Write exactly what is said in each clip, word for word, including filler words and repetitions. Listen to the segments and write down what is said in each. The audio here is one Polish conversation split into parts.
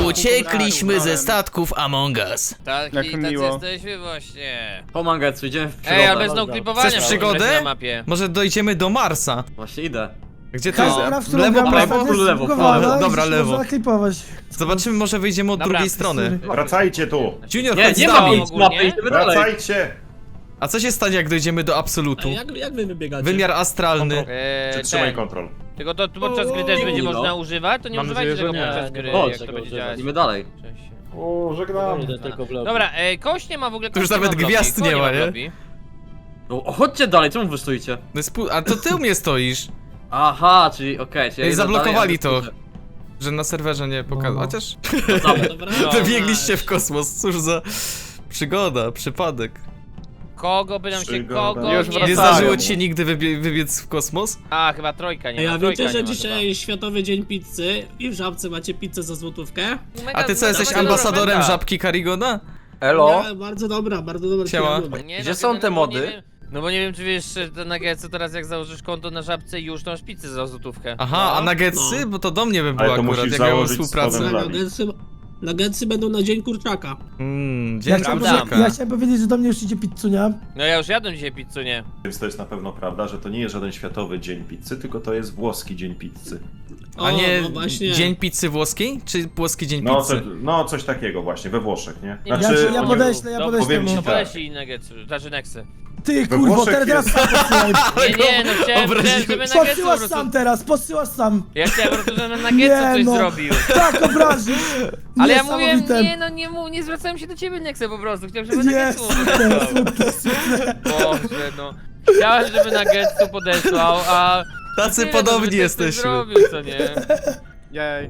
Uciekliśmy ze statków Among Us. Taki, Jak tacy miło. jesteśmy właśnie. Pomagać, idziemy w przygodę. Ej, ale bez no klipowania Chcesz w ogóle przygodę? na mapie. Może dojdziemy do Marsa. Właśnie idę. Gdzie to No. jest? Lewo, prawo? lewo, prawo. Dobra, lewo. Można klipować. Zobaczymy, może wyjdziemy od Dobra. drugiej strony. Wracajcie tu! Junior, Nie, chodź z nie ma nami. nic mapy, idziemy dalej. Wracajcie! A co się stanie, jak dojdziemy do absolutu? Jak, jak wy wybiegacie? Wymiar astralny. Eee, Przytrzymaj ten. kontrol. Tylko to tu podczas gry też będzie no. można używać? To nie Mam używajcie nadzieję, tego że nie. podczas gry, Chodź, jak to tego będzie używać. działać. Idziemy dalej. Cześć. O, żegnam. Idę tylko w lewo. Dobra, ej, kość nie ma w ogóle. Tu już kość nawet ma w lobby. gwiazd Kogo nie ma, w nie? lobby? No, chodźcie dalej, czemu wy stoicie? No jest pół- A to ty u mnie stoisz, Aha, czyli okej, czyli ja Ej, idę zablokowali dalej, to. że na serwerze nie pokazał. No. Chociaż a wy- Dobra, wybiegliście w kosmos, cóż za przygoda, przypadek. Kogo by nam się Przygoda. kogo Już nie... Nie wracają. zdarzyło ci się nigdy wybie wybiec w kosmos? A, chyba trojka nie Ej, ma. a trójka wiecie, że nie ma dzisiaj Światowy Dzień Pizzy i w Żabce macie pizzę za złotówkę? chyba. A ty co, Mega- jesteś mega ambasadorem dobra żabki Karigona? Elo? Nie, bardzo dobra, bardzo dobra. Siema. ja lubię. oferta. Nie, Gdzie no, są no, te bo mody? nie wiem- No bo nie wiem, czy wiesz, że te nuggetsy teraz jak założysz konto na żabce już to masz pizzę za złotówkę. Aha, a nuggetsy? No. Bo to do mnie by Ale było to akurat, musisz jak miałem założyć współpracę. spodem. Tak, nuggetsy, nuggetsy będą na Dzień Kurczaka. Mmm, Ja dzień chciałem, Prawda. powiedzieć, ja chciałem powiedzieć, że do mnie już idzie pizzunia. No ja już jadłem dzisiaj pizzu, nie? Więc to jest na pewno prawda, że to nie jest żaden światowy dzień pizzy, tylko to jest włoski dzień pizzy. O, A nie no właśnie. dzień pizzy włoskiej? Czy włoski dzień No, co, pizzy? no coś takiego właśnie, we Włoszech, nie? Nie, Ja, Znaczy, ci- ja oni- podeślę, ja Dobra, podeślę powiem mu. ci No tak. poleci nuggetsy, znaczy nexy. Ty We kurwo, Włoszech teraz, teraz jest- sam podsyłaj. Nie, nie, no chciałem, Obraziłem. chciałem żeby nuggetsy po Podsyłasz prostu... sam teraz, podsyłasz sam. Ja chciałem po prostu, żeby nuggetsy coś no. zrobił. Tak, obrazisz. Ale ja mówię, Niesamowite. nie no, nie, mów, nie zwracałem się do ciebie Nexy po prostu, chciałem, żeby Nie, nuggetsy mu super, podesłał. super, super. Boże, no. Chciałem, żeby nuggetsy podesłał, a... Tacy nie, no, podobni żeby coś jesteśmy. zrobił, co nie? Jej.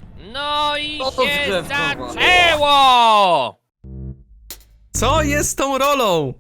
No i No to się drzewko, zaczęło! Co jest z tą rolą?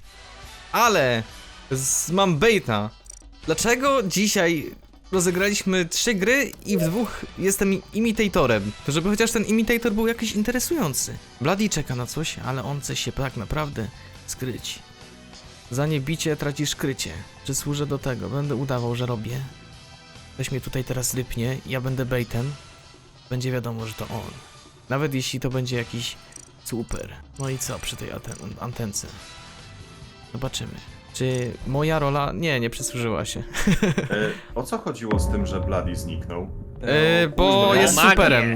Ale z, mam baita. Dlaczego dzisiaj rozegraliśmy trzy gry i w dwóch jestem imitatorem? To żeby chociaż ten imitator był jakiś interesujący. Bloody czeka na coś, ale on chce się tak naprawdę skryć. Za niebicie tracisz krycie. Czy służę do tego? Będę udawał, że robię. Ktoś mnie tutaj teraz rypnie, ja będę baitem. Będzie wiadomo, że to on. Nawet jeśli to będzie jakiś super. No i co przy tej anten- antence? Zobaczymy. Czy moja rola... Nie, nie przysłużyła się. E, o co chodziło z tym, że Bloody zniknął? Yy, bo Kurde. jest Magię. superem.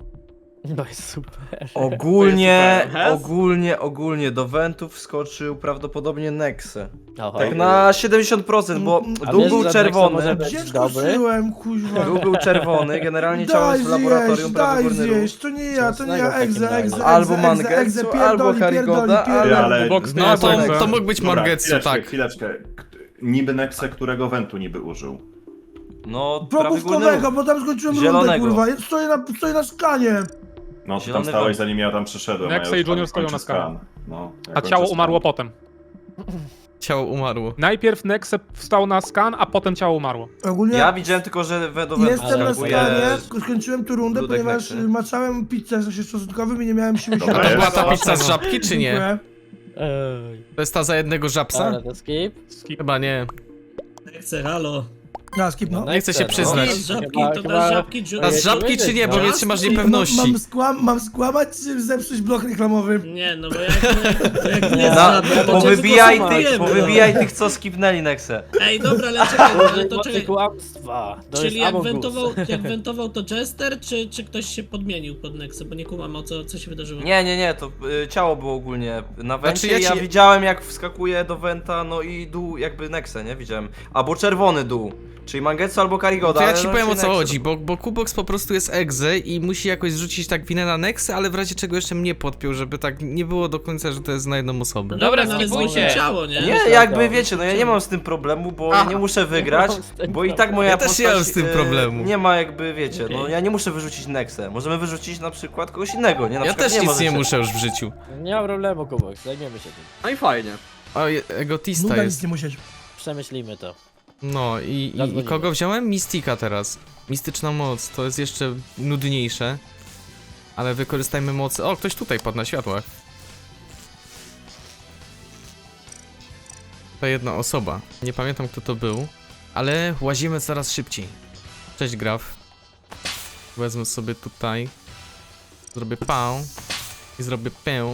No jest super. Ogólnie, To jest ogólnie, ogólnie do wentów wskoczył prawdopodobnie Nexe. Aha. Tak na siedemdziesiąt procent, bo A dół wiesz, był że czerwony. Nexe może być Gdzie dobry? skoczyłem, kuźwa. Dół był czerwony, generalnie ciało Daj jest w laboratorium, zjeść, prawy daj górny róg. zjeść, to nie ja, to nie ja, Mocnego w egze, takim egze, egze, Albo egze, Mangetsu, egze, pierdoli, albo pierdoli, Karigoda, pierdoli. ale- Ale... No to, Nexe. to mógł być Dobra, Mangetsu, chwileczkę, tak. chwileczkę. K- Niby Nexe, którego wentu niby użył? No, prawy górny Probówkowego, róg. bo tam skończyłem rundę, Zielonego. kurwa. Ja Stoję na, stoję na skanie. No, ty tam Zielony stałeś wąt. zanim ja tam przyszedłem, Nexe a ja już i Junior tam stoją kończę na skale. skan. No, ja A kończę ciało skan. umarło potem. Ciało umarło. Najpierw Nexe wstał na skan, a potem ciało umarło. Ogólnie Ja widziałem tylko, że we do wentu jestem na wskakuje skanie, skończyłem tu rundę, Dudek ponieważ Nexe. maczałem pizzę z sosie czosnkowym i nie miałem siły Dobra, A to siadać. była jest. ta pizza z żabki, czy nie? Dziękuję. Ej. To jest ta za jednego żabsa? Dobra, to skip. Skip. Chyba nie. Chcę, halo. Ja skip, no. Nie chcę się przyznać. Dasz żabki, Chyba- to chyba- dasz żabki, A z żabki czy nie, bo mnie trzymasz niepewności. Mam, skłam, mam skłamać czy zepsuć blok reklamowy? Nie, no bo jak nie, jak nie Na, żabka, to cię powybijaj zgłosujemy, tych, no. powybijaj tych, co skipnęli Nexe. Ej, dobra, ale czekaj, ale to czekaj. kłamstwa. To Czyli jest jak Among Us. wentował, jak wentował to Jester, czy, czy ktoś się podmienił pod Nexę, bo nie kumam o co, co się wydarzyło. Nie, nie, nie, to y, ciało było ogólnie na wencie Znaczy, ja i ja ci- widziałem jak wskakuje do wenta, no i dół jakby Nexe, nie? Widziałem. Albo czerwony dół, czyli Mangetsu albo Karigoda. To ja ale ci no powiem o raczej co Nexe. chodzi, bo, bo Kubox po prostu jest egze i musi jakoś zrzucić tak winę na Nexę, ale w razie czego jeszcze mnie podpiął, żeby tak nie było do końca, że to jest na jedną osobę. No dobra, no ale skipujcie. zgłosił ciało, nie? Nie, jakby wiecie, no ja nie mam z tym problemu, bo ja nie muszę wygrać, bo i tak moja Ja też nie postać, mam z tym e, problemu. Nie ma jakby, wiecie, no Okej. ja nie muszę wyrzucić Nexę. Możemy wyrzucić na przykład kogoś innego, nie? Na Ja przykład też nic możecie. nie muszę już w życiu. Nie ma problemu, Kubox, zajmiemy się tym. No i fajnie. O, je- egotista Nuda nic jest. nie musieć. Przemyślimy to. No i, i, i Zadzwonimy. kogo wziąłem? Mystika teraz. Mistyczna moc, to jest jeszcze nudniejsze. Ale wykorzystajmy mocy. O, ktoś tutaj padł na światłach. To jedna osoba. Nie pamiętam kto to był. Ale łazimy coraz szybciej. Cześć Graf. Wezmę sobie tutaj Zrobię pał. I zrobię pę.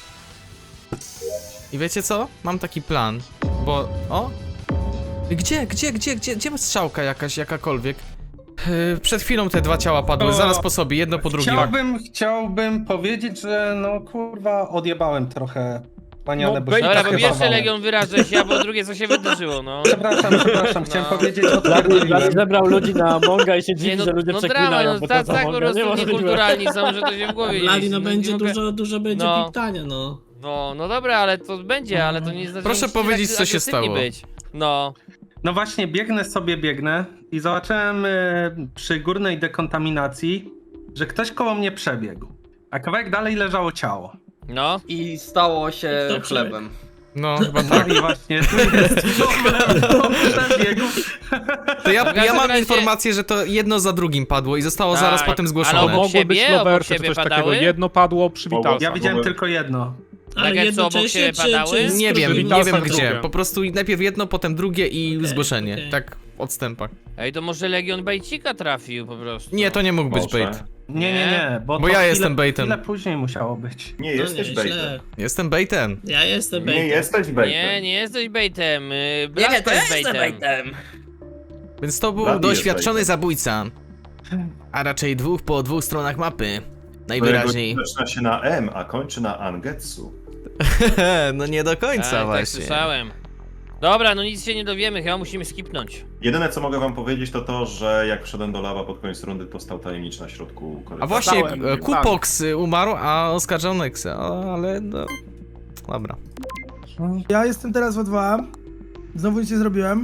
I wiecie co? Mam taki plan. Bo... O! Gdzie, gdzie, gdzie, gdzie, gdzie jest strzałka jakaś, jakakolwiek? Yy, przed chwilą te dwa ciała padły, O, zaraz po sobie, jedno po drugim. Chciałbym, chciałbym powiedzieć, że no kurwa odjebałem trochę manianę, No, bo bej- się Dobra, tak po chyba pierwsze bałem. Legion wyrażę się, a po drugie co się wydarzyło, no. Przepraszam, przepraszam, chciałem No. powiedzieć, Blady, Blady odpierdoliłem. zebrał ludzi na Amonga i się Nie, dziwi, no, że ludzie no przeklinają, drama, no bo tak, to tak po Amonga prostu niemożliwe. niekulturalni są, że to się w głowie Blady, mieści. no nie będzie mogę- dużo, dużo będzie No. piptania, no. No, no dobra, ale to będzie, ale to nie znaczy, Proszę że musicie powiedzieć, tak co się agresywni stało. Być. No. No właśnie, biegnę sobie, biegnę i zobaczyłem e, przy górnej dekontaminacji, że ktoś koło mnie przebiegł, a kawałek dalej leżało ciało. No. I stało się Kto przebiegł? chlebem. No, chyba Tak, tak. i właśnie, tu jest problem, kto przebiegł. To ja, W każdym ja mam razie- informację, że to jedno za drugim padło i zostało Tak, zaraz potem ale zgłoszone. obok Mogły być siebie? Obok lowersy czy siebie coś padały? takiego. Jedno padło przy Mogło- Witalsach. Ja widziałem Mogłem- tylko jedno. Ale Tak jak co, obok jednocześnie, siebie czy, padały? czy Nie z wiem, którymi- nie Witalsach wiem gdzie. drugie. Po prostu najpierw jedno, potem drugie i Okej, zgłoszenie. okej. Tak w odstępach. Ej, to może Legion Bejcika trafił po prostu. Nie, to nie mógł być Może. bait. Nie, nie, nie, bo, Bo to ja chwilę, jestem baitem. Chwilę później musiało być. Nie No jesteś nie, baitem. źle. Jestem baitem. Ja jestem Nie baitem. jesteś baitem. Nie, nie jesteś baitem. Yy, Blaszka jest baitem. Więc to był Blady jest doświadczony baitem. zabójca. A raczej dwóch po dwóch stronach mapy. Którego Najwyraźniej. zaczyna się na M, a kończy na Angetsu. No nie do końca Tak, tak właśnie. słyszałem. Dobra, no nic się nie dowiemy, chyba musimy skipnąć. Jedyne co mogę wam powiedzieć to to, że jak wszedłem do lawa pod koniec rundy, to stał tajemniczy na środku korytarza. A właśnie Stałem. e, Kupox y, umarł, a oskarżał Nexa. O, ale no... Dobra. Ja jestem teraz w O dwa. Znowu nic nie zrobiłem.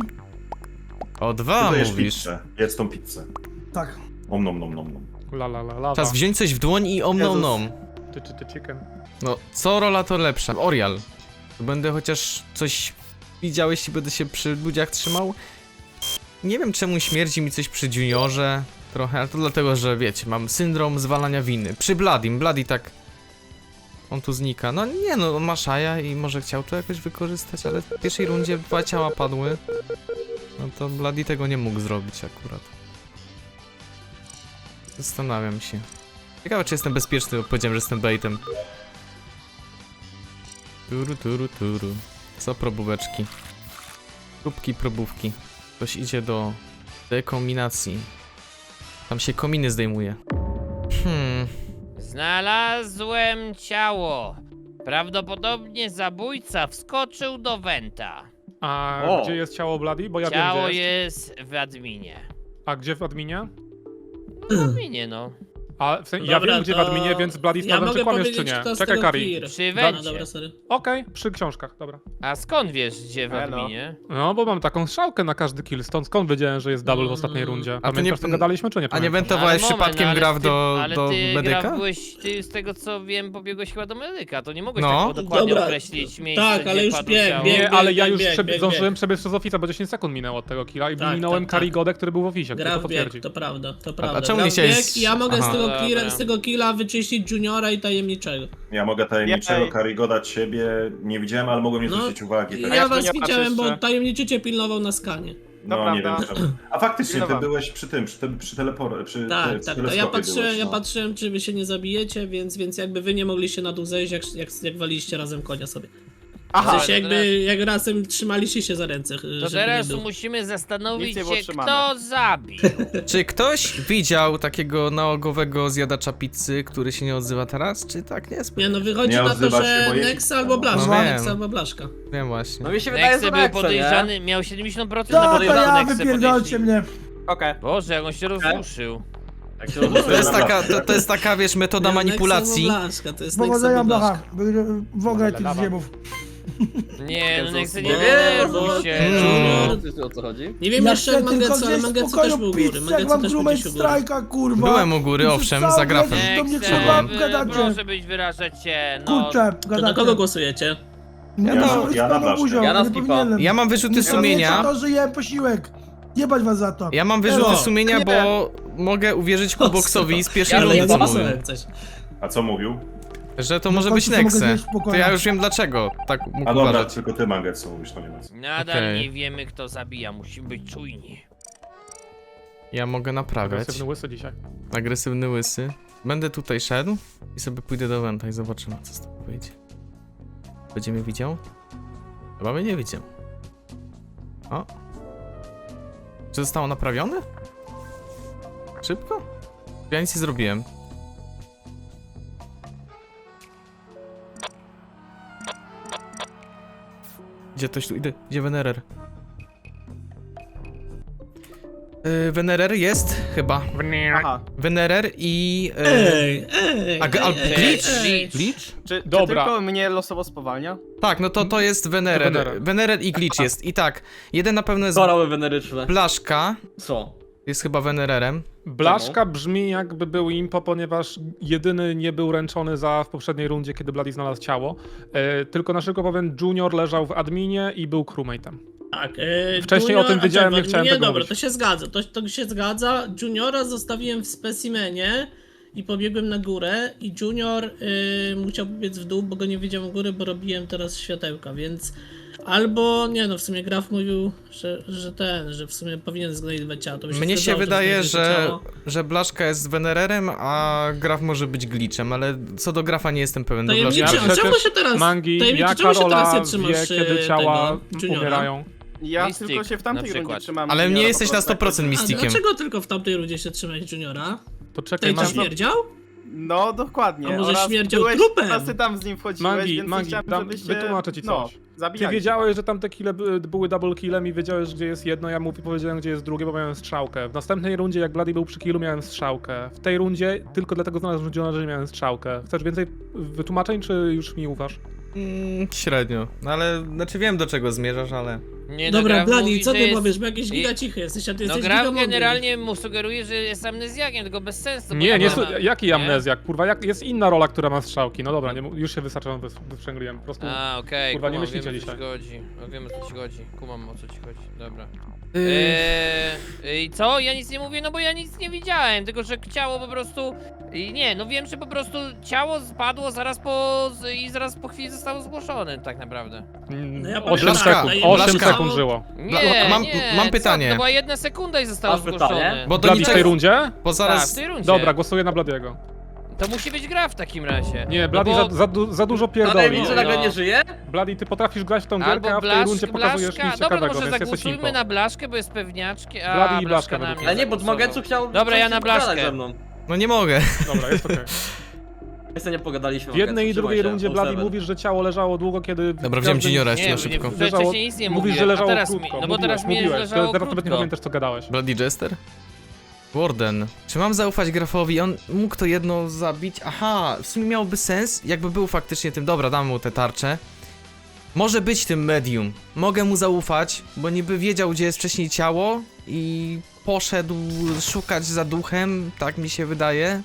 O dwa Ty jesz mówisz. pizzę. Jedz tą pizzę. Tak. Om nom nom nom nom. La la la la. Czas wziąć coś w dłoń i om nom Jezus. nom. Ty, ty, ty, chicken. No, co rola to lepsza? Orial. To będę chociaż coś widział, jeśli będę się przy ludziach trzymał. Nie wiem czemu śmierdzi mi coś przy Juniorze. Trochę, ale to dlatego, że wiecie, mam syndrom zwalania winy. Przy Bladim, Bladi tak... On tu znika. No nie no, on ma szaja i może chciał to jakoś wykorzystać, ale w pierwszej rundzie dwa ciała padły. No to Bladi tego nie mógł zrobić akurat. Zastanawiam się. Ciekawe czy jestem bezpieczny, bo powiedziałem, że jestem baitem. Turu, turu, turu. Co probóweczki? Próbki, probówki. Ktoś idzie do dekominacji. Tam się kominy zdejmuje. Hmm. Znalazłem ciało. Prawdopodobnie zabójca wskoczył do Wenta. A O. gdzie jest ciało Bloody? Bo ja Ciało wiem gdzie jest. jest w adminie. A gdzie w adminie? W adminie, no. A w sensie, ja Dobra, wiem gdzie w to adminie, więc Bloody ja sprawdzam mogę czy kłamiesz czy powiedzieć, nie. kto z Czekaj tego Kari. clear. Przy No, Wencie. dobra, sorry. Okej, przy książkach, dobra. A skąd wiesz, gdzie w Elo. adminie? No bo mam taką strzałkę na każdy kill, stąd skąd wiedziałem, że jest double w ostatniej Mm. rundzie. A to Pamiętasz nie- co gadaliśmy czy nie A nie pamiętasz? wentowałeś No, ale przypadkiem moment, no, ale graw ty- do, ale do ty medyka? Gra, byłeś, ty z tego co wiem, pobiegłeś chyba do medyka, to nie mogłeś No. tak dokładnie Dobra. określić miejsce, Tak, ale gdzie już padło bieg, ciało. bieg, Nie, ale ja bieg, już bieg, przebie- bieg, zdążyłem bieg. przebiec przez ofica, bo dziesięć sekund minęło od tego killa i Tak, minąłem tak, tak. Karigodę, który był w oficie, który Gra to w bieg, potwierdzi. to prawda, to prawda. czemu Gra nie w chciałeś- bieg i ja mogę Aha. z tego, killa, Dobra. z tego killa wyczyścić Juniora i tajemniczego. Ja mogę tajemniczego Karigoda ciebie nie widziałem, ale mogłem nie No, zwrócić uwagi. Tak. Ja was widziałem, bo tajemniczy cię pilnował na skanie. No nie wiem czemu. A faktycznie ty Pilnowałem. byłeś przy tym, przy, tym, przy telepor... przy, Tak, przy tak, to teleskopie ja patrzyłem, byłeś, ja no. patrzyłem, czy wy się nie zabijecie, więc, więc jakby wy nie mogliście na dół zejść, jak, jak, jak waliliście razem konia sobie. Aha, W sensie to jakby, teraz- jak razem trzymaliście się za ręce, To żeby teraz nie dół. musimy zastanowić Nic nie było się, trzymane. kto zabił. Czy ktoś widział takiego nałogowego zjadacza pizzy, który się nie odzywa teraz? Czy tak nie jest? Nie no, wychodzi Nie na to, odzywa się, że bo je- Nex albo No Blaszka, wiem. Nex albo Blaszka. Wiem właśnie. No mi się wydaje, Nexe że był Nexe, nie? podejrzany, miał siedemdziesiąt procent na To, to podejrzany ja, Nexe wypierdolcie podejrzeli. mnie. Okej. Boże, jak on się rozruszył. Jak się To jest taka, to, to jest taka, wiesz, metoda Nie, manipulacji. Nex albo Blaszka, to jest Nex Powodzenia albo blacha. Blaszka. Wy- W ogóle tych zjebów. Nie, no Nexe nie nie, denerwuj bo- się. Mm. O co chodzi? Nie wiem Ja jeszcze chcę jak tylko Mangetsu, ale gdzieś w Mangetsu też pokoju był u góry. pizzę, jak Mangetsu mam też był crewmate gdzieś u góry. strajka, kurwa. Byłem u góry, Przez owszem, cały za grafem. lecieć do mnie Nexe, kurwa wy- gadacie. proszę być, wyrażać się, no. Kurczę, To na gadacie. kogo głosujecie? Nie Ja muszę na- być ja na paną Blaszkę. buzią, Ja na nie skipa. powinienem. Ja mam wyrzuty Nie sumienia. to, że jem posiłek. Jebać was za to. Ja mam wyrzuty Elo. sumienia, Nie. bo mogę uwierzyć Kuboksowi z pierwszej Ale ja rundy, co mówił. zagłosuję jak coś. A co mówił? Że to No może w być końcu to mogę Nexe. zjeść w pokoju. To ja już wiem dlaczego tak mógł A dobra, uważać. tylko ty Mangetsu mówisz, to nie ma co. Nadal Okej. nie wiemy, kto zabija, musimy być czujni. Ja mogę naprawiać. Agresywny łysy dzisiaj. Agresywny łysy. Będę tutaj szedł i sobie pójdę do Wenta i zobaczymy, co z tego wyjdzie. Będzie mnie widział? Chyba mnie nie widział. O. Czy zostało naprawione? Szybko? Ja nic nie zrobiłem. Gdzie ktoś tu idę? Gdzie Venerer? Yy, Venerer jest chyba. Aha. Venerer i... Yy, Ej, ej, a, a, ej, glitch? ej. Glitch? Czy, czy Dobra. tylko mnie losowo spowalnia? Tak, no to to jest Venerer. Venerer. Venerer i glitch jest. I tak, jeden na pewno jest Korały weneryczne. Blaszka. Co? Jest chyba Venererem. Blaszka brzmi jakby był impo, ponieważ jedyny nie był ręczony za w poprzedniej rundzie, kiedy Bloody znalazł ciało. E, tylko na szybko powiem, Junior leżał w adminie i był crewmate'em. Tak, e, Wcześniej Junior, o tym a wiedziałem, czekaj, nie chciałem Nie, tego dobra, mówić. to się zgadza, to, to się zgadza. Juniora zostawiłem w specimenie i pobiegłem na górę i Junior y, musiał biec w dół, bo go nie widziałem u góry, bo robiłem teraz światełka, więc albo, nie no, w sumie Graf mówił, że, że ten, że w sumie powinien znajdować ciało. To by się Mnie się zgadzało, wydaje, znajdzie że, ciało. że Blaszka jest Venererem, a Graf może być glitchem, ale co do Grafa nie jestem pewien. Do Blaszki. Tajemniczy, Ja a czemu przecież się teraz, Mangi, tajemniczy, ja czemu się teraz Karola nie trzymasz wie, y, kiedy ciała tego, Juniora? umierają. Ja Mystic tylko się w na tamtej rundzie przykład. trzymam. Ale Juniora nie po jesteś na prostu sto procent A mistikiem. dlaczego tylko w tamtej rundzie się trzymałeś Juniora? To czekaj, Tej mam... ci śmierdział? No, dokładnie. A może Oraz śmierdział byłeś, trupem? Teraz ty tam z nim wchodziłeś, Mangi, więc Mangi, chciałem, dam- żebyście... wytłumaczę ci No, coś. Ty zabijali. wiedziałeś, że tam te kile by- były double killem i wiedziałeś, gdzie jest jedno, ja mu powiedziałem, gdzie jest drugie, bo miałem strzałkę. W następnej rundzie, jak Bloody był przy killu, miałem strzałkę. W tej rundzie tylko dlatego znalazłem Juniora, że miałem strzałkę. Chcesz więcej wytłumaczeń, czy już mi ufasz? Mm, średnio. No ale, znaczy wiem do czego zmierzasz, ale... Nie, no, Dobra, Graf Bladi, mówi, co że ty jest... powiesz, bo jakiś i- giga cichy jesteś, a ty No jesteś Graf giga mądry. generalnie mu sugeruje, że jest amnezjakiem, tylko bez sensu. bo Nie, ja nie, mam- su- jaki nie? amnezjak, kurwa, jak, jest inna rola, która ma strzałki. No dobra, nie, mu- już się wystarczająco wys- wyprzęgliłem, po prostu... A, okej, Kurwa, nie kumam, myślicie wiem, o co dzisiaj. ci chodzi. No, wiem, o co ci chodzi. Kumam, o co ci chodzi. Dobra. Yy, Eee, I co? Ja nic nie mówię, no bo ja nic nie widziałem, tylko że ciało po prostu... I nie, no wiem, że po prostu ciało spadło zaraz po... z- i zaraz po chwili zostało zgłoszone, tak naprawdę. Mm, No ja osiem Blaszka, sekund, Blaszka. osiem Blaszka. sekund żyło. Nie, Bla- mam- nie, mam co? pytanie. To była jedna sekunda i zostało Masz zgłoszone. pytanie? Bo do Bloody w tej niczego... rundzie? Bo Tak, zaraz... w tej rundzie. Dobra, głosuję na Bladiego. To musi być gra w takim razie. Nie, No Bloody bo- za, za, du- za dużo A pierdoli. tajemniczy nagle No. nie żyje? Bloody, ty potrafisz grać w tą gierkę, Albo a w tej blaszka, rundzie pokazujesz blaszka. nic Dobra, ciekawego, może więc jesteś zagłosujmy impo. na blaszkę, bo jest pewniaczki, a Bloody i blaszka blaszka na według mnie Ale nie, bo zagłosował. Dmogetsu chciał... Dobra, ja chciał na się pogadać blaszkę. ze mną. No nie mogę. Dobra, jest okej. Jeszcze nie pogadaliśmy. W jednej i Mogetsu, drugiej trzymaj się, rundzie all Bloody seven. mówisz, że ciało leżało długo, kiedy... Dobra, w wziąłem każdym- Juniora jeszcze Nie, na nie, szybko. wcześniej Leżało- nic nie Mówisz, mówiłem, że leżało a teraz krótko. mi, no bo mówiłeś, teraz mi mówiłeś. leżało Teraz nawet nie krótko. pamiętasz, co gadałeś. Bloody Jester? Warden. Czy mam zaufać Grafowi? On mógł to jedno zabić? Aha, w sumie miałoby sens, jakby był faktycznie tym... Dobra, dam mu te tarcze. Może być tym medium. Mogę mu zaufać, bo niby wiedział, gdzie jest wcześniej ciało i poszedł szukać za duchem, tak mi się wydaje.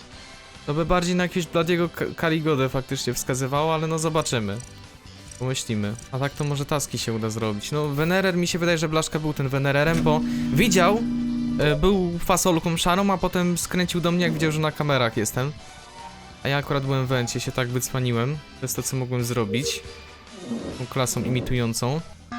To by bardziej na jakiegoś Bladiego Ka- Karigodę faktycznie wskazywało, ale no zobaczymy. Pomyślimy. A tak to może taski się uda zrobić. No, Venerer, mi się wydaje, że Blaszka był ten Venererem, bo widział, e, był fasolką szarą, a potem skręcił do mnie, jak widział, że na kamerach jestem. A ja akurat byłem w wencie, się tak wycwaniłem. To jest to, co mogłem zrobić. Tą klasą imitującą.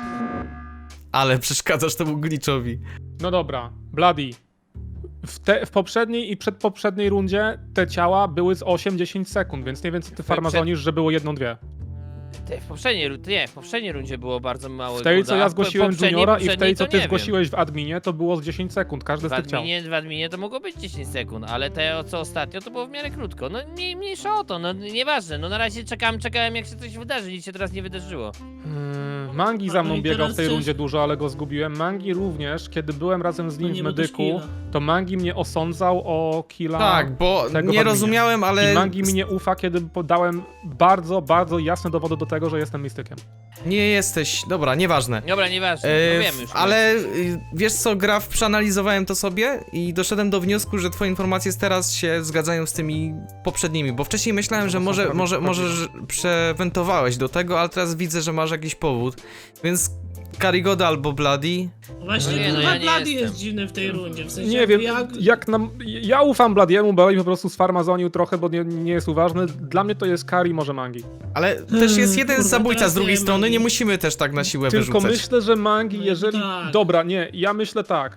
Ale przeszkadzasz temu glitchowi. No dobra, Bloody. W, te, w poprzedniej i przedpoprzedniej rundzie te ciała były z osiem dziesięć sekund, więc nie wiem, co ty farmazonisz, że było jedną, dwie. Ty, w poprzedniej, ru- nie, w poprzedniej rundzie było bardzo mało. W tej, co ja zgłosiłem Juniora i w tej, co ty zgłosiłeś. zgłosiłeś w adminie, to było z dziesięć sekund, każde W z tych ciał. adminie, w adminie to mogło być dziesięć sekund, ale te co ostatnio to było w miarę krótko. No mniej, mniejsza o to, no nieważne. No na razie czekałem, czekałem jak się coś wydarzy, nic się teraz nie wydarzyło. Hmm, Mangi za No mną i biegał teraz w tej coś- rundzie dużo, ale go zgubiłem. Mangi również, kiedy byłem razem z No nim nie, w bo też medyku, killa. to Mangi mnie osądzał o killa. Tak, bo tego w nie adminie. rozumiałem, ale... I Mangi mi nie ufa, kiedy podałem bardzo, bardzo jasne dowody do tego, że jestem mistykiem. Nie jesteś... Dobra, nieważne. Dobra, nieważne, E, no wiem już. ale y, wiesz co, Graf, przeanalizowałem to sobie i doszedłem do wniosku, że twoje informacje teraz się zgadzają z tymi poprzednimi, bo wcześniej myślałem, że To są może, prawie- może, prawie- może że przewentowałeś do tego, ale teraz widzę, że masz jakiś powód, więc Karigoda albo Bloody. Właśnie, No nie, no kurwa, ja nie Blady jestem. jest dziwny w tej rundzie, w sensie Nie wiem, jak... jak nam... Ja ufam Bladiemu, bo on po prostu sfarmazonił trochę, bo nie, nie jest uważny. Dla mnie to jest Kari, może Mangi. Ale też jest jeden kurwa, zabójca teraz z drugiej nie strony, Mangi. nie musimy też tak na siłę Tylko wyrzucać. myślę, że Mangi, No jeżeli... tak. Dobra, nie, ja myślę tak.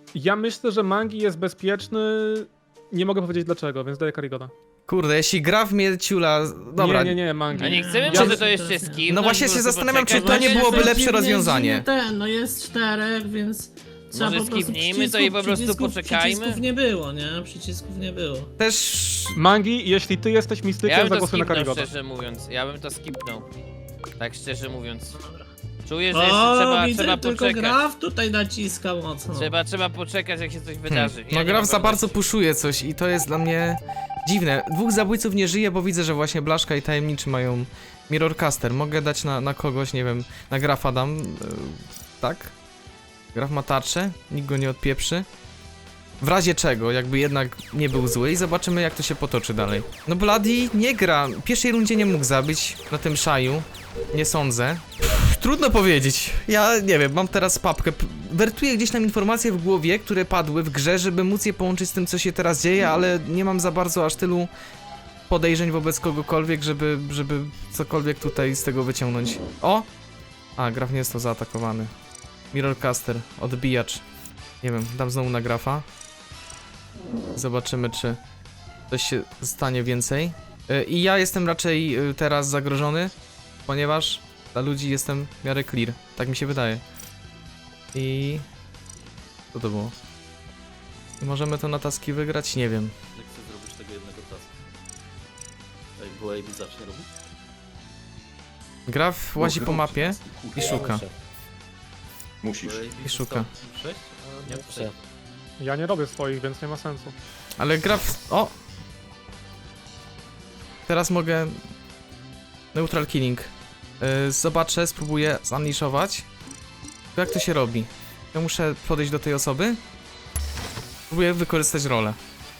Ja myślę, że Mangi jest bezpieczny. Nie mogę powiedzieć dlaczego, więc daję Karigoda. Kurde, jeśli gra w mnie ciula... Dobra. Nie, nie, nie, Mangi. A nie chcemy Ja- może to jeszcze skipnąć? No właśnie po się prostu zastanawiam, czy poczekać? to nie Właśnie byłoby jest lepsze dziwnie- rozwiązanie. dziwnie Ten, no jest czterech, więc trzeba Może po prostu skipnijmy to i po prostu przycisków, poczekajmy? Przycisków nie było, nie? Przycisków nie było. Też... Mangi, jeśli ty jesteś Ja mistykiem, bym to zagłosuj na skipnął, Karigoda. szczerze mówiąc. Ja bym to skipnął. Tak szczerze mówiąc. Czuję, że O, jeszcze trzeba, widzę, trzeba tylko poczekać. Graf tutaj naciska mocno. Trzeba, trzeba poczekać, jak się coś wydarzy. Hmm. Ja No nie Graf mam za pewności. bardzo puszuje coś i to jest dla mnie dziwne. Dwóch zabójców nie żyje, bo widzę, że właśnie Blaszka i Tajemniczy mają Mirrorcaster. Mogę dać na, na kogoś, nie wiem, na Grafa dam, yy, tak? Graf ma tarczę, nikt go nie odpieprzy. W razie czego, jakby jednak nie był zły i zobaczymy, jak to się potoczy dalej. No Bloody nie gra, w pierwszej rundzie nie mógł zabić na tym szaju. Nie sądzę. Trudno powiedzieć. Ja nie wiem, mam teraz papkę. P- Wertuję gdzieś tam informacje w głowie, które padły w grze, żeby móc je połączyć z tym, co się teraz dzieje, ale nie mam za bardzo aż tylu podejrzeń wobec kogokolwiek, żeby, żeby cokolwiek tutaj z tego wyciągnąć. O! A, Graf nie jest to zaatakowany. Mirrorcaster, odbijacz. Nie wiem, dam znowu na Grafa. Zobaczymy, czy coś się stanie więcej. Yy, I ja jestem raczej yy, teraz zagrożony, ponieważ dla ludzi jestem w miarę clear. Tak mi się wydaje. I... Co to było? I możemy to na taski wygrać? Nie wiem. Jak chcę zrobić tego jednego taska? Tak, bo A B zacznie robić? Graf łazi po mapie i szuka. Muszę. Musisz. Bo A B I szuka. sześć, a nie Muszę. sześć. Ja nie robię swoich, więc nie ma sensu. Ale Graf... O! Teraz mogę... Neutral killing. Yy, zobaczę, spróbuję zaniszować. Jak to się robi? Ja muszę podejść do tej osoby. Spróbuję wykorzystać rolę.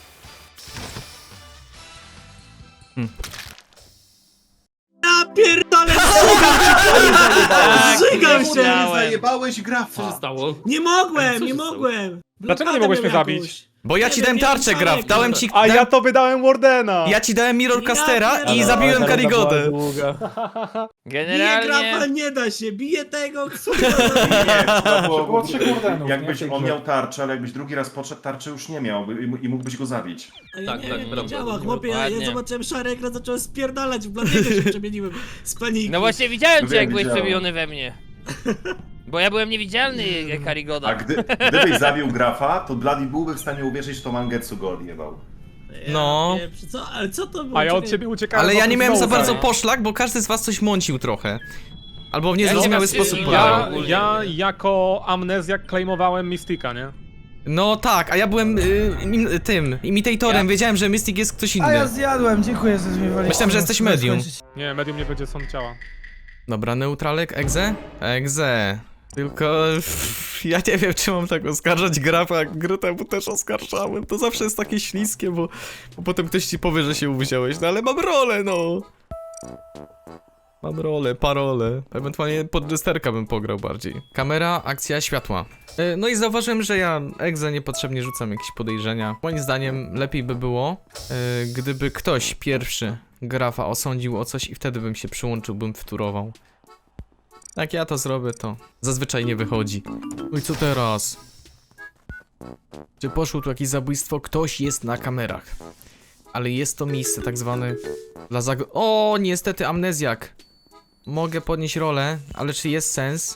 Ja pierdolę! Tak, Zżygam się! wiedziałem. Zajebałeś Co się Grafa! stało? Nie Co mogłem, się nie stało? mogłem! Dlaczego nie Blokadę mogłeś mnie miał zabić? jakąś. Bo ja Nie ci wiem, dałem nie tarczę, wiem, Graf. Szarek, Dałem no. ci... A dałem... ja to wydałem Wardena! Ja ci dałem Mirrorcastera Ja i zabiłem Karigodę. Bije Grafa, Generalnie... nie da się, bije tego, co Nie, to było, było trzy kurdenów, jakbyś nie? on miał tarczę, ale jakbyś drugi raz podszedł, tarczy już nie miał i, i mógłbyś go zabić. A ja Tak, nie tak, wiem, prawda. nie działa, chłopie, ja, ja Dokładnie. zobaczyłem szary ekran, zacząłem spierdalać, w bladego się przemieniłem z paniki. No właśnie widziałem cię, Wiem, jak byłeś widziałem. przemieniony we mnie. Bo ja byłem niewidzialny jak Karigoda. A gdy, gdybyś zabił Grafa, to Bloody byłby w stanie uwierzyć, że to Mangetsu go odjebał. Ja No. pieprz- Co, ale co to było? A ja od Czekaj. ciebie uciekałem. Ale ja nie wokół miałem za znowu. bardzo nie? poszlak, bo każdy z was coś mącił trochę. Albo w Ja niezrozumiały nie sposób wiem, podał. Ja, ogólnie. ja jako amnezjak claimowałem Mystika, nie? No tak, a ja byłem y, im, tym, imitatorem, Ja- wiedziałem, że Mystic jest ktoś A ja inny. zjadłem, dziękuję, że zmiewaliście. Myślałem, że jesteś medium. Nie, medium nie będzie sąd ciała. Dobra, neutralek, egze? Egze. Tylko ja nie wiem, czy mam tak oskarżać Grafa, jak gry temu też oskarżałem. To zawsze jest takie śliskie, bo, bo potem ktoś ci powie, że się uwziąłeś, no ale mam rolę, no. Mam rolę, parole. Ewentualnie pod jesterka bym pograł bardziej. Kamera, akcja, światła. E, No i zauważyłem, że ja egze niepotrzebnie rzucam jakieś podejrzenia. Moim zdaniem lepiej by było, e, gdyby ktoś pierwszy Grafa osądził o coś i wtedy bym się przyłączył, bym wturował. Jak ja to zrobię, to zazwyczaj nie wychodzi. No i co teraz? Czy poszło tu jakieś zabójstwo? Ktoś jest na kamerach. Ale jest to miejsce tak zwane dla zag... O, niestety amnezjak. Mogę podnieść rolę, ale czy jest sens?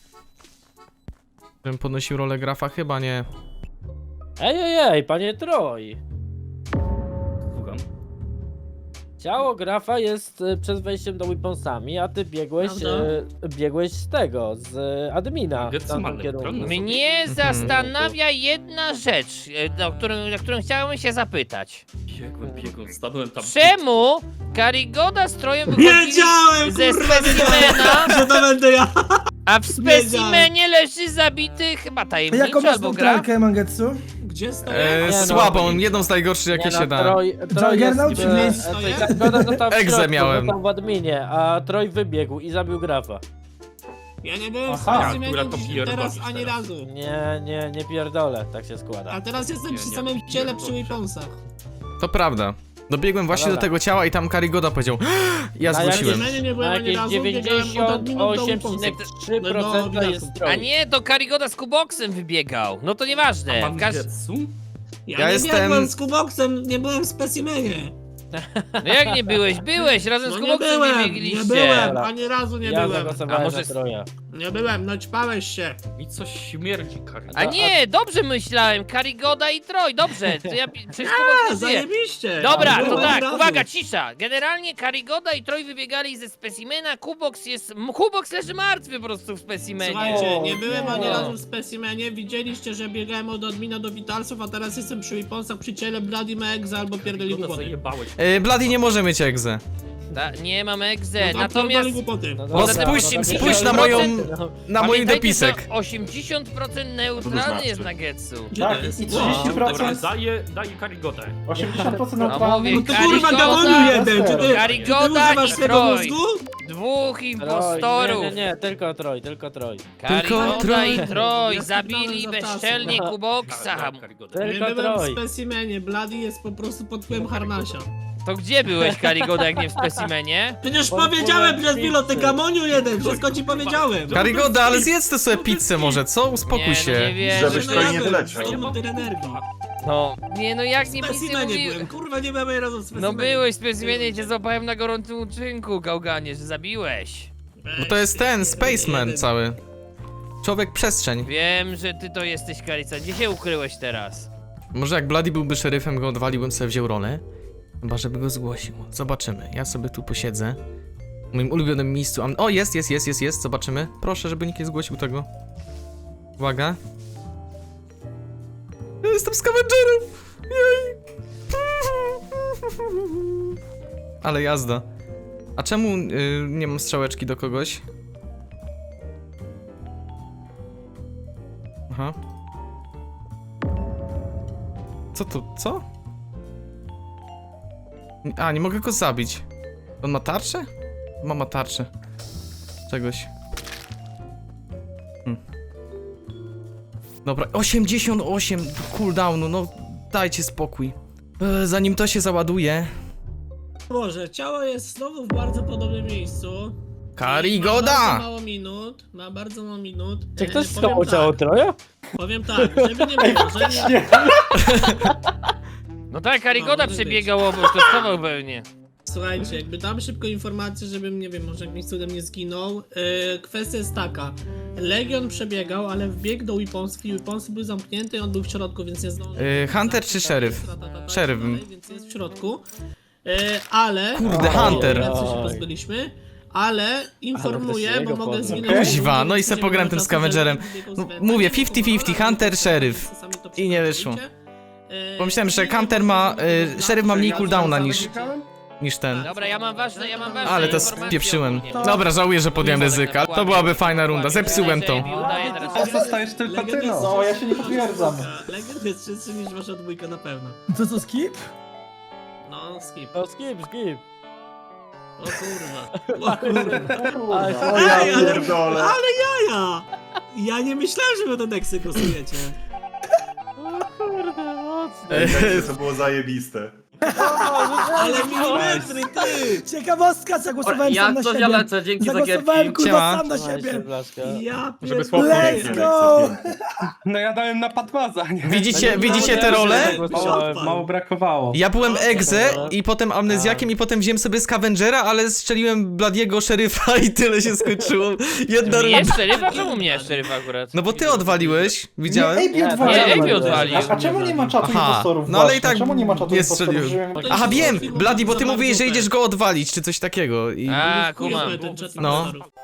Żebym podnosił rolę Grafa? Chyba nie. Ej, ej, ej, panie Troj. Słucham. Ciało Grafa jest e, przed wejściem do weaponsami, a ty biegłeś, Prawda? e, biegłeś z tego, z e, admina. w Getsu tamtym ma kierunku. elektronię. Mnie zastanawia jedna rzecz, e, o którą, na którą chciałem się zapytać. Biegłem, biegłem, stanąłem tam. Czemu Karigoda z Trojem wychodzili Wiedziałem, ze kurwa, specimena, że to będę ja. a w specimenie leży zabity chyba Jaką tajemniczy masz albo gra? neutralkę, Mangetsu? Gdzie stoję? E, Nie no. słabą, jedną z najgorszych jakie Nie się no, da. Troj, Troj jest, Juggernaut czy e, Blitz? e, to Karigoda został w Egzę środku, miałem. został w adminie, a Troj wybiegł i zabił Grafa. Ja nie byłem w Aha, specimenie akurat to dziś- pierdolisz teraz ani teraz. razu. Nie, nie, nie pierdolę, tak się składa. A teraz jestem Nie, przy nie, samym nie, ciele nie, przy dobrze. weaponsach. To prawda. Dobiegłem właśnie Dobra. do tego ciała i tam Karigoda powiedział ja Na jakie- zgłosiłem. Specimenie nie Na byłem ani jakieś razu, biegałem od adminu do dziewięćdziesiąt osiem Weaponsów. przecinek trzy No, procent no, jest widać. A troll. nie, to Karigoda z Kuboksem wybiegał. No to nieważne. W każ... Ja, Ja nie jestem- biegłem z Kuboksem, nie byłem w specimenie. No jak nie byłeś? Byłeś, razem No z nie Kuboksem byłem, nie nie biegliście. byłem, ani razu nie Ja byłem. zagłosowałem A może na z- Troja. Nie byłem, no ćpałeś się. Mi coś śmierdzi, Kari. A nie, dobrze myślałem. Karigoda i Troj, dobrze. To ja pi- przecież A, Kubok nie żyje. zajebiście. Dobra, Nie to byłem tak, razu. uwaga, cisza. Generalnie Karigoda i Troj wybiegali ze specimena, Kubox jest... m- Kubox leży martwy po prostu w specimenie. Słuchajcie, nie byłem ani nie. razu w specimenie, widzieliście, że biegałem od admina do Vitalsów, a teraz jestem przy Weaponsach, przy ciele Bloody Mexa albo pierdoli Karigoda głupoty. zajebałeś. Yy, Bloody nie może mieć egzę. Ta, nie mam egze, No, natomiast... pierdoli głupoty. No No dobra, spójrz, no to spójrz na pięćdziesiąt moją, procent. na mój Pamiętajcie, dopisek. że osiemdziesiąt procent neutralny jest na Getsu. Gdzie to jest? i O, trzydzieści procent. Dobra, daję, daję Karigodę. osiemdziesiąt procent No neutralny. mówię, No to kurwa Karigoda- gamoniu jeden, czy ty, czy ty Karigoda używasz i swego Troj. mózgu? Dwóch Troj, impostorów. Nie, nie, nie, tylko Troj, tylko Troj. Karigoda Troj. i Troj Ja zabili spytałem za bezczelnie czasem. Kuboksa. Dałem Karigodę. Nie Tylko byłem w Troj. specimenie, Bloody jest po prostu pod wpływem Harnasia. To gdzie byłeś, Karigoda, jak nie w specimenie? Przecież Pod powiedziałem wpływem przez chwilę, ty pizzy. gamoniu jeden, wszystko ci powiedziałem. Karigoda, ale zjedz ty sobie pizzę może, co? Uspokój Nie, no nie się. wierzę. Żebyś No Troj ja nie byłem, wyleciał. sto tyle energii. No, nie no jak W nie nic nie specimenie byłem, mówiłem. kurwa nie byłem ani razu w specimenie. No byłeś w specimenie i cię złapałem na gorącym uczynku, gałganie, że zabiłeś. Bo to jest ten, Spaceman cały. Człowiek przestrzeń. Wiem, że ty to jesteś, Karica. Gdzie się ukryłeś teraz? Może jak Bloody byłby szeryfem, go odwaliłbym sobie wziął rolę. Chyba, żeby go zgłosił. Zobaczymy. Ja sobie tu posiedzę. W moim ulubionym miejscu. Am- O, jest, jest, jest, jest, jest. Zobaczymy. Proszę, żeby nikt nie zgłosił tego. Uwaga. Ja jestem scavengerem! Jej! Ale jazda. A czemu y, nie mam strzałeczki do kogoś? Aha. Co to? Co? A, nie mogę go zabić. On ma tarczę? Ma, ma tarczę. Czegoś. Hmm. Dobra, osiemdziesiąt osiem cooldownu, no dajcie spokój. E, zanim to się załaduje. Boże, ciało jest znowu w bardzo podobnym miejscu. Ma Karigoda! bardzo mało minut, ma bardzo mało minut. Czy E, ktoś powiem schował ciało tak, Troja? Powiem tak, żeby nie było, że nie... No tak, Karigoda No, może przebiegał obok, to schował pewnie. Słuchajcie, jakby dam szybko informację, żebym, nie wiem, może jakimś cudem nie zginął. Yy, kwestia jest taka. Legion przebiegał, ale wbiegł do Weaponski, Weaponsy były zamknięte i on był w środku, więc nie zdążył. Yy, Hunter czy szeryf? Szeryf bym. Więc jest w środku. Yy, ale... Kurde, Hunter. Więc się pozbyliśmy. Ale informuję, Ale to się bo jego mogę poznał. zginąć. Kuźwa, no i se Więc pogram nie tym ma czasu, scavengerem. żeby biegł z No, Wenta. mówię, Nie fifty fifty, było, Hunter, ale szeryf. sami to I nie wyszło. przepracujcie. Yy, Pomyślałem, że i Hunter ma, nie y, szeryf ma mniej Ja cooldowna sam niż, wygrałem? niż ten. Dobra, ja mam ważne, ja mam ważne Ale to informacje spieprzyłem. ogólnie. Dobra, żałuję, że podjąłem ryzyka. To byłaby fajna runda, zepsułem to. Udaję teraz. A zostajesz tylko ty, Legend jest no. No, ja się nie potwierdzam. Legend jest szybszy niż wasza dwójka na pewno. To co, skip? No, skip. No skip, skip. O kurwa. O kurwa. Ale Kurwa. Ej, Ja ale, pierdolę. ale jaja! Ja nie myślałem, że wy do Nexy głosujecie. kurde, mocno. Ej, to było zajebiste. Ale milimetry, ty! Ciekawostka, zagłosowałem Ja sam na to siebie. wialecę, dzięki za Zagłosowałem gierki. kurwa Siema. sam na Trzymaj się, siebie. Blaszka. Ja Żeby pierdolę. słabo Let's go! No ja dałem na Patmaza, nie? Widzicie, widzicie te role? Mało, mało brakowało. Ja byłem egze i potem amnezjakiem i potem wziąłem sobie scavengera, ale strzeliłem Bladiego szeryfa i tyle się skończyło. Jedna Nie runda. szeryfa? Czemu mnie szeryfa akurat? No bo ty odwaliłeś, widziałem. Nie, Nie, Ej, odwalił. nie, Ejbi odwalił. A czemu nie ma czatu Aha, impostorów no ale właśnie? i tak Czemu nie ma czatu nie impostorów? strzeliłem. Żebym- Aha, wiem! Bladi, bo ty mówiłeś, że idziesz go odwalić, czy coś takiego. I... A, Chujowy kumam. ten czat No. impostorów.